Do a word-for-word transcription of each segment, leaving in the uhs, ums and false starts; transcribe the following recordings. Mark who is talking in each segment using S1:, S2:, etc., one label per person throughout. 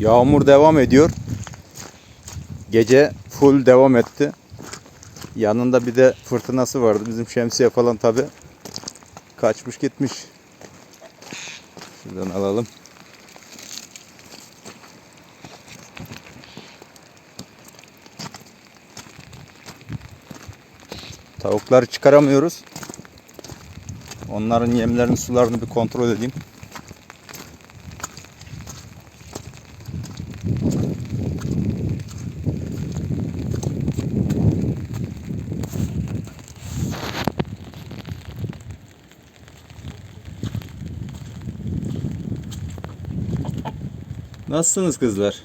S1: Yağmur devam ediyor. Gece full devam etti. Yanında bir de fırtınası vardı. Bizim şemsiye falan tabi kaçmış gitmiş. Şuradan alalım. Tavukları çıkaramıyoruz. Onların yemlerini, sularını bir kontrol edeyim. Nasılsınız kızlar?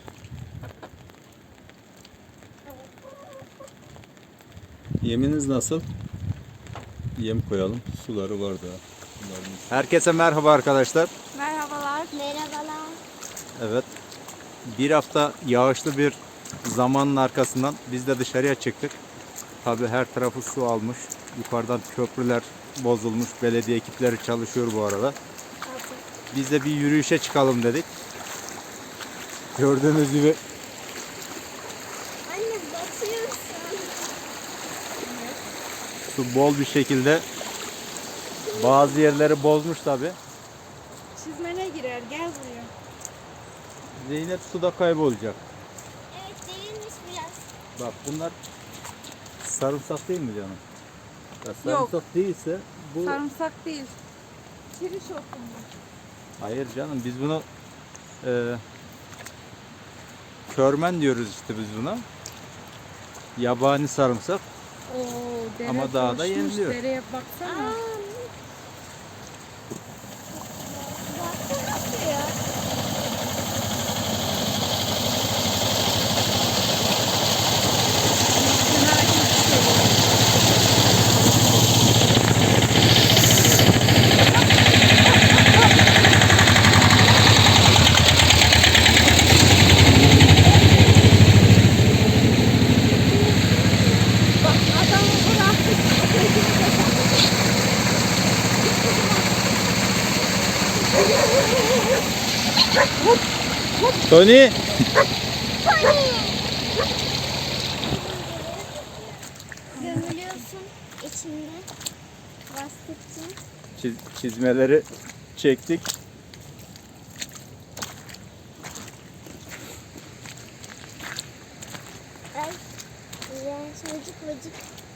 S1: Yeminiz nasıl? Yem koyalım. Suları var da. Herkese merhaba arkadaşlar.
S2: Merhabalar.
S3: Merhabalar.
S1: Evet. Bir hafta yağışlı bir zamanın arkasından biz de dışarıya çıktık. Tabii her tarafı su almış. Yukarıdan köprüler bozulmuş. Belediye ekipleri çalışıyor bu arada. Biz de bir yürüyüşe çıkalım dedik. Gördüğünüz gibi
S3: Anne batıyorsun.
S1: su bol bir şekilde bazı yerleri bozmuş tabii.
S2: Çizmene girer. Gel buraya.
S1: Zeynep suda kaybolacak.
S3: Evet değilmiş biraz.
S1: Bak bunlar sarımsak değil mi canım? Ya
S2: Yok.
S1: sarımsak değilse bu...
S2: Sarımsak değil. Çeri şok bunlar.
S1: Hayır canım, biz bunu e, körmen diyoruz işte biz buna. Yabani sarımsak.
S2: Oo, dere
S1: Ama dağda
S2: coşmuş.
S1: yeniliyor.
S2: Dereye baksana.
S3: Aa. Baksana suya. Bak adamı bıraktık.
S1: Tony!
S3: Gömülüyorsun içinde. Bastıkça.
S1: Çiz- çizmeleri çektik.
S3: Ay. İğrenç vıcık vıcık.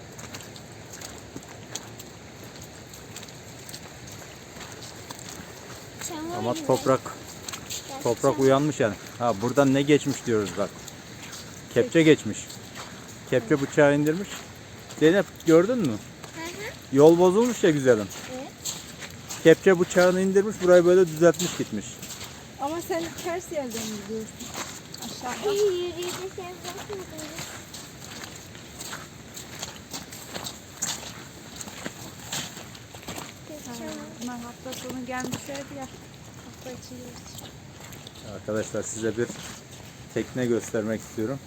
S3: Çamur
S1: Ama
S3: gibi.
S1: toprak
S3: Biraz
S1: toprak
S3: çamur.
S1: uyanmış yani. Ha, buradan ne geçmiş diyoruz bak. Kepçe geçmiş. Kepçe bıçağı indirmiş. Zeynep gördün mü?
S3: Hı hı.
S1: Yol bozulmuş ya güzelim.
S3: Evet.
S1: Kepçe bıçağını indirmiş, burayı böyle düzeltmiş gitmiş.
S2: Ama sen ters yerden gidiyorsun. Aşağıda.
S3: Yürüyüşe sen bakmadın.
S2: Bunlar hafta sonu gelmişlerdi ya. Hafta içi yürüyüş.
S1: Arkadaşlar size bir tekne göstermek istiyorum.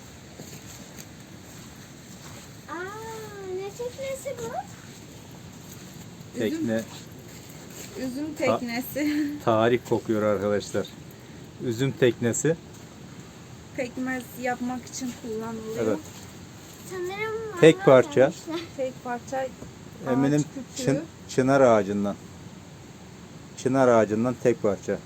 S3: Aa, ne teknesi bu?
S1: Tekne
S2: Üzüm teknesi.
S1: tarih kokuyor arkadaşlar. Üzüm teknesi.
S2: Pekmez yapmak için kullanılıyor.
S1: Evet.
S3: Sanırım
S1: Tek
S3: mangal
S1: parça.
S3: yapmışlar.
S2: Tek parça
S1: Eminim
S2: ağaç kütüğü.
S1: çın, çınar ağacından. Çınar ağacından tek parça.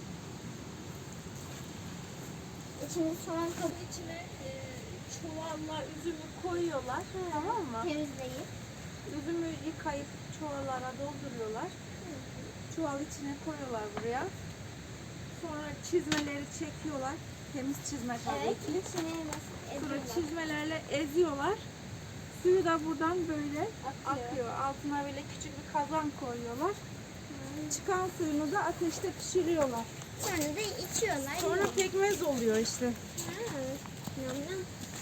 S3: İçinde soğan kabı
S2: İçine e, çuvalla üzümü koyuyorlar. Tamam mı?
S3: temizleyip.
S2: Üzümü yıkayıp çuvallara dolduruyorlar. Çuval içine koyuyorlar buraya. Sonra çizmeleri çekiyorlar. Temiz çizme tabii
S3: Evet,
S2: ki.
S3: içine nasıl
S2: Sonra
S3: ediyorlar.
S2: çizmelerle eziyorlar. Suyu da buradan böyle
S3: Akıyor.
S2: akıyor. Altına böyle küçük bir kazan koyuyorlar. Çıkan suyunu da ateşte pişiriyorlar.
S3: Sonra da içiyorlar.
S2: Sonra pekmez oluyor işte.
S3: Ha, yum yum.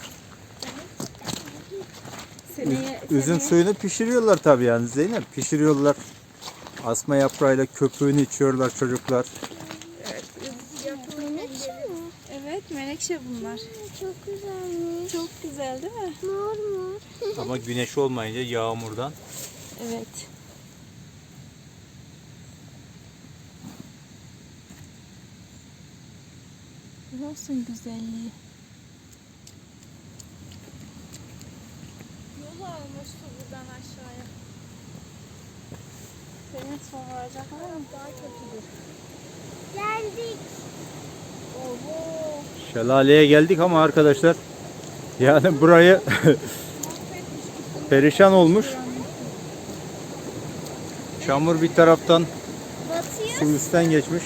S2: Seneye,
S1: Üzüm
S2: seneye-
S1: suyunu pişiriyorlar tabii yani Zeynep. Pişiriyorlar. Asma yaprağıyla köpüğünü içiyorlar çocuklar.
S2: Evet, üzüm yapımı
S3: Menekşe mi?
S2: Evet, menekşe bunlar.
S3: Çok güzelmiş.
S2: Çok güzel değil mi?
S3: Mor mor.
S1: Ama güneş olmayınca yağmurdan
S2: Evet. Görüyorsun güzelliği. Yol almış su buradan aşağıya. Senin son varacak ama daha kötüdür.
S3: Geldik.
S2: Oho.
S1: Şelaleye geldik ama arkadaşlar yani burayı perişan olmuş. Çamur bir taraftan,
S3: Batıyor.
S1: su üstten geçmiş.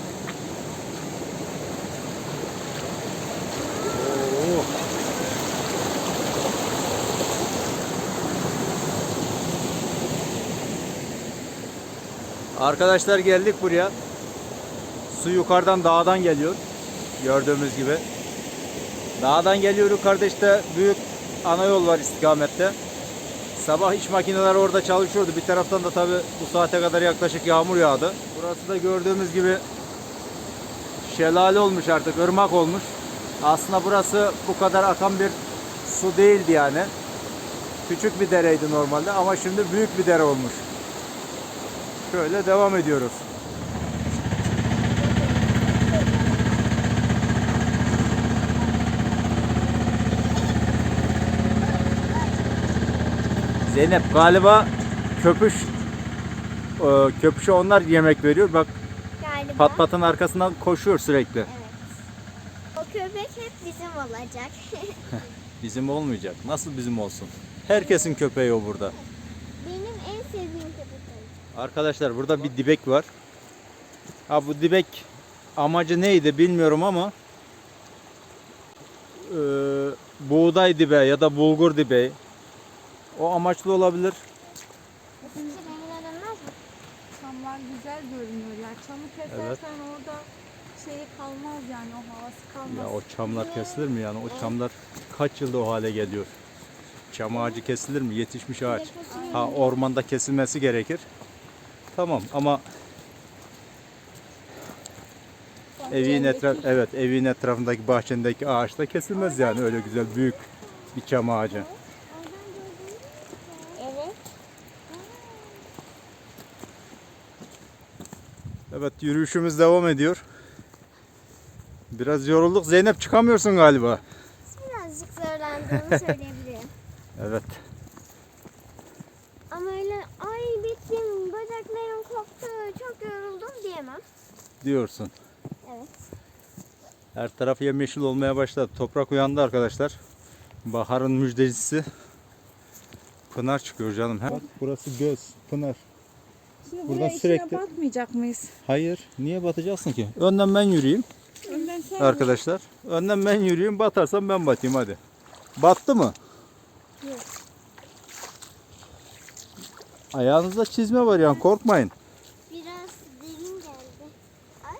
S1: Oo. Arkadaşlar geldik buraya. Su yukarıdan dağdan geliyor. Gördüğümüz gibi. Dağdan geliyor, yukarıda işte büyük ana yol var istikamette. Sabah iş makineleri orada çalışıyordu. Bir taraftan da tabi bu saate kadar yaklaşık yağmur yağdı. Burası da gördüğümüz gibi şelale olmuş artık, ırmak olmuş. Aslında burası bu kadar akan bir su değildi yani. Küçük bir dereydi normalde ama şimdi büyük bir dere olmuş. Şöyle devam ediyoruz. Zeynep galiba köpüş e, köpüşe onlar yemek veriyor. Bak
S3: Galiba.
S1: pat patın arkasından koşuyor sürekli.
S3: Evet. O köpek hep bizim olacak.
S1: Bizim olmayacak. Nasıl bizim olsun? Herkesin köpeği o burada.
S3: Benim en sevdiğim köpek olacak.
S1: Arkadaşlar burada bir dibek var. Ha bu dibek amacı neydi bilmiyorum ama e, buğday dibe ya da bulgur dibe o amaçlı olabilir.
S3: Sizce rengine dönmez mi?
S2: Çamlar güzel görünüyor ya. Çamı kesersen
S1: Evet.
S2: orada şeyi kalmaz yani, o havası kalmaz.
S1: Ya o çamlar kesilir mi yani? O çamlar kaç yılda o hale geliyor? Çam ağacı kesilir mi? Yetişmiş ağaç. Ha ormanda kesilmesi gerekir. Tamam ama evin etraf evet evin etrafındaki bahçendeki ağaç da kesilmez yani öyle güzel büyük bir çam ağacı.
S3: Evet.
S1: Evet yürüyüşümüz devam ediyor. Biraz yorulduk. Zeynep çıkamıyorsun galiba.
S3: Birazcık zorlandığımı söyleyebilirim.
S1: Evet.
S3: Ama öyle ay bittim, bacaklarım koptu, çok yoruldum diyemem.
S1: Diyorsun.
S3: Evet.
S1: Her taraf yemyeşil olmaya başladı. Toprak uyandı arkadaşlar. Baharın müjdecisi. Pınar çıkıyor canım. Bak burası göz. Pınar.
S2: Şimdi
S1: buradan
S2: buraya
S1: sürekli-
S2: içine batmayacak mıyız?
S1: Hayır. Niye batacaksın ki? Önden ben yürüyeyim
S2: Önden sen
S1: arkadaşlar. Önden ben yürüyeyim. Batarsam ben batayım hadi. Battı mı?
S3: Yok.
S1: Ayağınızda çizme var yani korkmayın.
S3: Biraz derin geldi. Ay.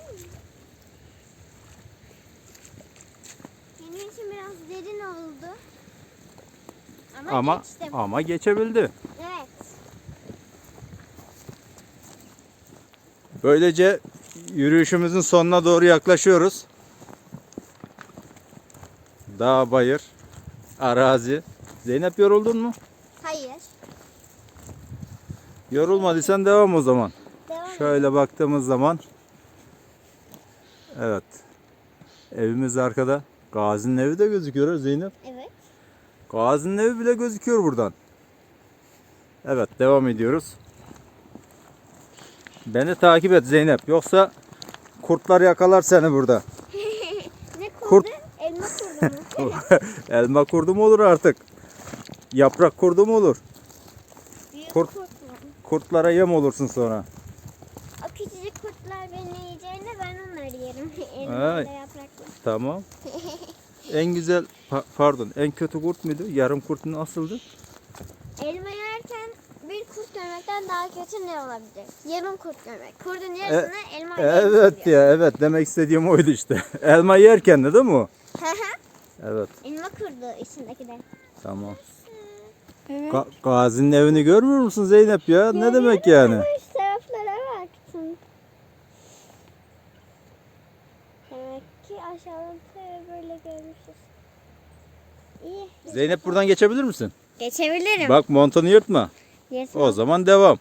S3: Benim için biraz derin oldu. Ama,
S1: Ama
S3: geçtim.
S1: ama geçebildi.
S3: Evet.
S1: Böylece yürüyüşümüzün sonuna doğru yaklaşıyoruz. Dağ, bayır, arazi. Zeynep yoruldun mu?
S3: Hayır.
S1: Yorulmadıysan devam o zaman.
S3: Devam
S1: Şöyle baktığımız zaman evet. Evimiz arkada. Gazi'nin evi de gözüküyor Zeynep.
S3: Evet.
S1: Gazi'nin evi bile gözüküyor buradan. Evet devam ediyoruz. Beni takip et Zeynep. Yoksa kurtlar yakalar seni burada.
S3: Ne kurdu?
S1: Kurt.
S3: Elma kurdu mu?
S1: Elma kurdu mu olur artık? Yaprak kurdu mu olur?
S3: Büyük
S1: Kurt.
S3: kurt mu?
S1: Kurtlara yem olursun sonra.
S3: O küçücük kurtlar beni yiyeceğine ben onları yerim.
S1: Ay.
S3: Elmayla yaprakla.
S1: Tamam. En güzel pa- pardon en kötü kurt muydu? Yarım kurt nasıldı?
S3: Elma yerken bir kurt görmekten daha kötü ne olabilir? Yarım kurt görmek. Kurdun yarısını elma
S1: Evet ya evet demek istediğim oydu işte. Elma yerken de değil mi o? Evet
S3: Elma kurdu içindeki de.
S1: tamam.
S2: Evet.
S1: Ga- Gazi'nin evini görmüyor musun Zeynep ya? Ne demek yani?
S3: Ama şu taraflara baktım. Demek ki aşağıdan böyle görmüşüz. İyi.
S1: Zeynep buradan geçebilir misin?
S3: Geçebilirim.
S1: Bak montunu yırtma.
S3: Yes,
S1: O zaman devam.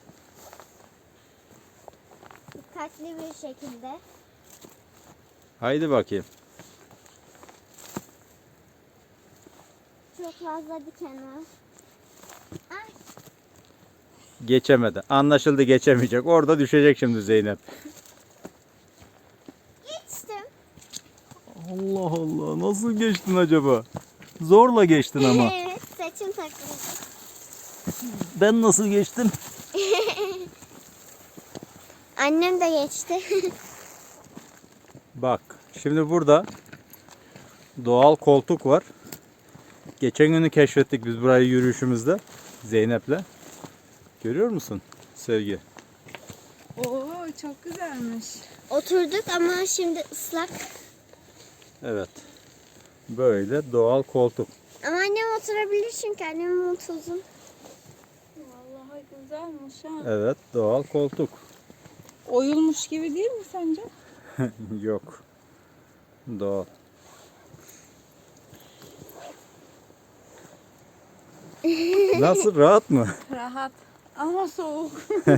S3: dikkatli bir şekilde.
S1: Haydi bakayım.
S3: fazla diken var. Ay,
S1: Geçemedi. Anlaşıldı, geçemeyecek. Orada düşecek şimdi Zeynep.
S3: geçtim.
S1: Allah Allah, nasıl geçtin acaba? Zorla geçtin ama.
S3: Evet, saçım takıldı.
S1: Ben nasıl geçtim?
S3: Annem de geçti.
S1: Bak, şimdi burada doğal koltuk var. Geçen günü keşfettik biz burayı yürüyüşümüzde Zeynep'le. Görüyor musun Sevgi?
S2: Oo çok güzelmiş.
S3: Oturduk ama şimdi ıslak.
S1: Evet. Böyle doğal koltuk.
S3: Ama annem oturabilir çünkü annemin montu uzun.
S2: Vallahi güzelmiş ha.
S1: Evet, doğal koltuk.
S2: Oyulmuş gibi değil mi sence?
S1: Yok. Doğal. Nasıl, rahat mı?
S2: Rahat ama soğuk.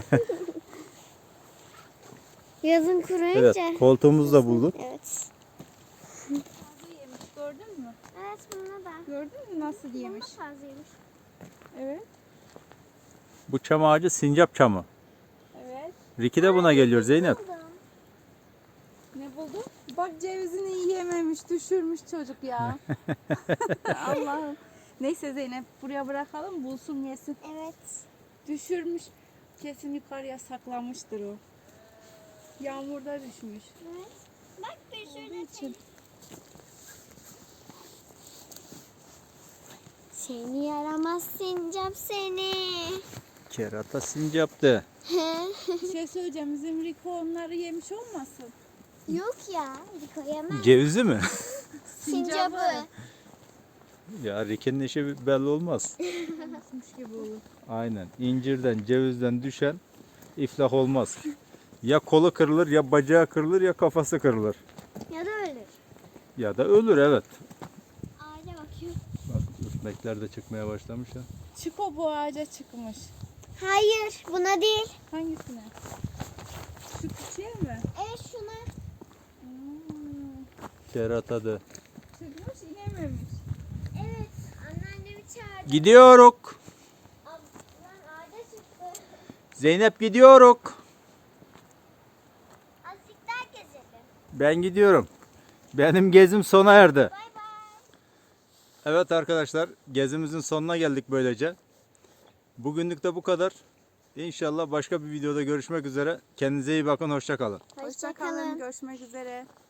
S3: Yazın kuruyunca.
S1: Evet, koltuğumuzu da bulduk.
S3: Evet.
S2: Fazla yemiş gördün mü?
S3: Evet, buna da.
S2: Gördün mü nasıl yemiş?
S3: Buna fazlaymış.
S2: Evet.
S1: Bu çam ağacı sincap çamı.
S2: Evet.
S1: Riki de buna geliyor Zeynep.
S3: Buldum.
S2: Ne buldun? Bak cevizini yiyememiş, düşürmüş çocuk ya. Allah'ım. Neyse Zeynep buraya bırakalım bulsun yesin.
S3: Evet.
S2: Düşürmüş. Kesin yukarıya saklamıştır o. Yağmurda düşmüş.
S3: Evet. Bak bir
S2: Olduğu
S3: şurada
S2: için.
S3: Seni yaramaz sincap seni.
S1: Kerata sincaptı.
S2: Bir şey söyleyeceğim. Bizim Riko onları yemiş olmasın?
S3: Yok ya, Riko yemez.
S1: Cevizi mi?
S3: Sincabı.
S1: Ya Riki'nin işi belli olmaz.
S2: Olmuş gibi olur.
S1: Aynen. İncirden, cevizden düşen iflah olmaz. Ya kolu kırılır, ya bacağı kırılır, ya kafası kırılır.
S3: Ya da ölür.
S1: Ya da ölür, evet.
S3: Ağaca bakıyor.
S1: Bak ürkmekler de çıkmaya başlamış ya.
S2: Çiko bu ağaca çıkmış.
S3: Hayır, buna değil.
S2: Hangisine? Şu küçüğe mi?
S3: Evet, şuna.
S2: Hmm.
S1: Kerata da.
S2: Çıkmış inememiş.
S3: Evet, anneannemi çağırdı.
S1: Gidiyoruz.
S3: Ablam ağaca çıktı.
S1: Zeynep gidiyoruz.
S3: Azıcık daha gezelim.
S1: Ben gidiyorum. Benim gezim sona erdi.
S3: Bay bay.
S1: Evet arkadaşlar, gezimizin sonuna geldik böylece. Bugünlük de bu kadar. İnşallah başka bir videoda görüşmek üzere. Kendinize iyi bakın, hoşça kalın.
S2: Hoşça kalın. Görüşmek üzere.